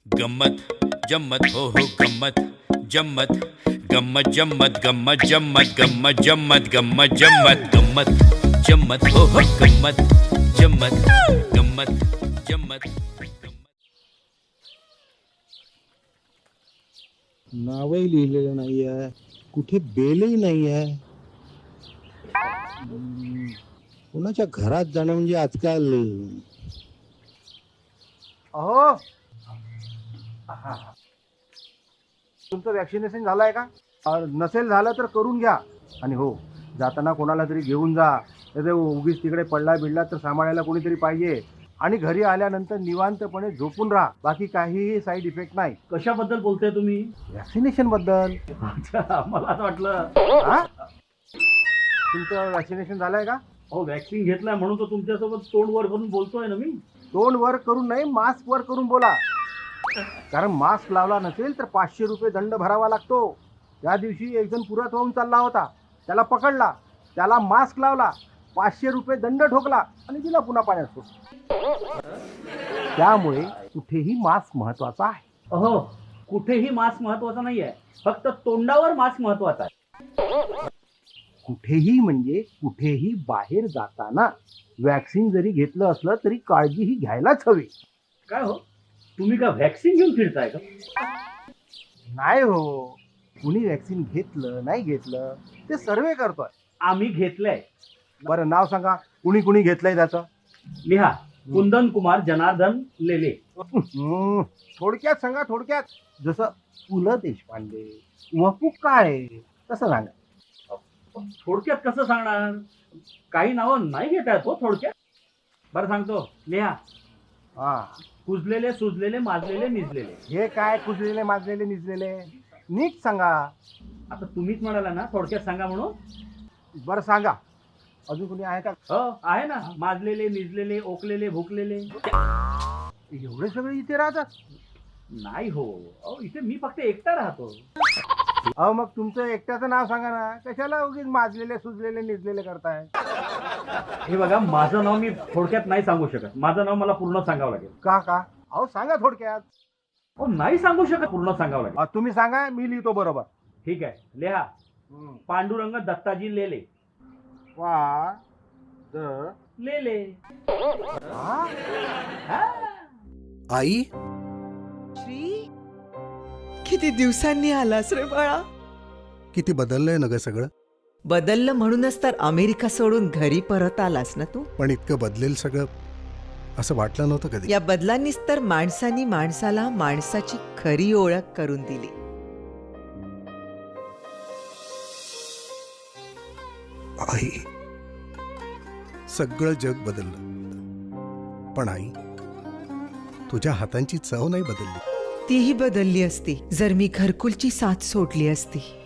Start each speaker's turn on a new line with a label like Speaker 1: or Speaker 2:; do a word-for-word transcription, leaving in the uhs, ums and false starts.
Speaker 1: गम्मत जम्मत हो हो गम्मत जम्मत गम्मत जम्मत गम्मत जम्मत गम्मत जम्मत गम्मत जम्मत गम्मत जम्मत हो हो गम्मत जम्मत गम्मत जम्मत
Speaker 2: नावही लिहिलेलं नाही आहे, कुठे बेलही नाही आहे. हम्म, कोणाच्या घरात जाणं म्हणजे आजकाल.
Speaker 3: अहो तुमचं वॅक्सिनेशन झालंय का? अ, नसेल झालं तर करून घ्या. आणि हो, जाताना कोणाला तरी घेऊन जा. तर उगीच तिकडे पडला बिडला तर सांभाळायला कोणीतरी पाहिजे. आणि घरी आल्यानंतर निवांतपणे झोपून राहा. बाकी काहीही साईड इफेक्ट नाही.
Speaker 4: कशाबद्दल बोलताय तुम्ही?
Speaker 3: वॅक्सिनेशन बद्दल.
Speaker 4: अच्छा, मला असं वाटलं.
Speaker 3: हा? तुमचं वॅक्सिनेशन झालंय का?
Speaker 4: हो, वॅक्सिन घेतलाय म्हणून तर तुमच्यासोबत तोंड वर करून बोलतोय ना मी.
Speaker 3: तोंड वर करून नाही, मास्क वर करून बोला. कारण मास्क लावला नसेल तर पाचशे रुपये दंड भरावा लागतो. त्या दिवशी एक जण पुरात वाहून चालला होता, त्याला पकडला, त्याला मास्क लावला, पाचशे रुपये दंड ठोकला आणि दिला पुन्हा पाण्यात सोडून. त्यामुळे कुठेही मास्क महत्वाचा आहे.
Speaker 4: अहो, कुठेही मास्क महत्वाचा नाहीये, फक्त तोंडावर मास्क महत्वाचा आहे.
Speaker 3: कुठेही म्हणजे कुठेही बाहेर जाताना वॅक्सिन जरी घेतलं असलं तरी काळजी ही घ्यायलाच हवी.
Speaker 4: काय हो, तुम्ही का व्हॅक्सिन घेऊन फिरताय का?
Speaker 3: नाही हो, कुणी वॅक्सिन घेतलं नाही घेतलं ते सर्वे करतोय.
Speaker 4: आम्ही घेतलंय.
Speaker 3: बरं नाव सांगा, कुणी कुणी घेतलंय त्याचं.
Speaker 4: लिहा, कुंदन कुमार जनार्दन लेले.
Speaker 3: हम्म, थोडक्यात सांगा, थोडक्यात. जसं पु ल देशपांडे, वपू काळे, तसं सांगा.
Speaker 4: थोडक्यात कसं सांगणार? काही नावं नाही घेता येत हो थोडक्यात. बरं सांगतो, लिहा.
Speaker 3: हा,
Speaker 4: कुजलेले सुजलेले माजलेले निजलेले.
Speaker 3: हे काय कुजलेले माजलेले निजलेले, नीट सांगा.
Speaker 4: आता तुम्हीच म्हणाला ना थोडक्यात सांगा म्हणून.
Speaker 3: बरं सांगा, अजून कुणी आहे का?
Speaker 4: हो, आहे ना. माजलेले निजलेले ओकलेले भुकलेले.
Speaker 3: एवढे सगळे इथे राहतात?
Speaker 4: नाही हो, अहो इथे मी फक्त एकटा राहतो.
Speaker 3: अहो मग तुमचं एकट्याचं नाव सांगा ना, कशाला उगीच माजलेले सुजलेले निजलेले करताय?
Speaker 4: हे बघा, माझं नाव मी थोडक्यात नाही सांगू शकत. माझं नाव मला पूर्ण सांगावं लागेल.
Speaker 3: का का अहो सांगा थोडक्यात.
Speaker 4: हो, नाही सांगू शकत, पूर्ण सांगावं लागेल.
Speaker 3: अ, तुम्ही सांगा, मी लिहितो बरोबर.
Speaker 4: ठीक आहे, लिहा. पांडुरंग दत्ताजी लेले.
Speaker 3: वा द
Speaker 4: लेले.
Speaker 3: हा?
Speaker 4: हा.
Speaker 5: आई,
Speaker 6: श्री, किती दिवसांनी आलास रे बाळा.
Speaker 5: किती बदललंय ना ग सगळं.
Speaker 6: बदललं म्हणूनच तर अमेरिका सोडून घरी परत आलास ना तू.
Speaker 5: पण इतकं बदलेल सगळं असं वाटलं नव्हतं कधी.
Speaker 6: या बदलांनीच तर माणसानी माणसाला माणसाची खरी ओळख करून दिली.
Speaker 5: आई, सगळं जग बदललं, पण आई तुझ्या हातांची चव नाही बदलली.
Speaker 6: तीही बदलली असती जर मी घरकुलची साथ सोडली असती.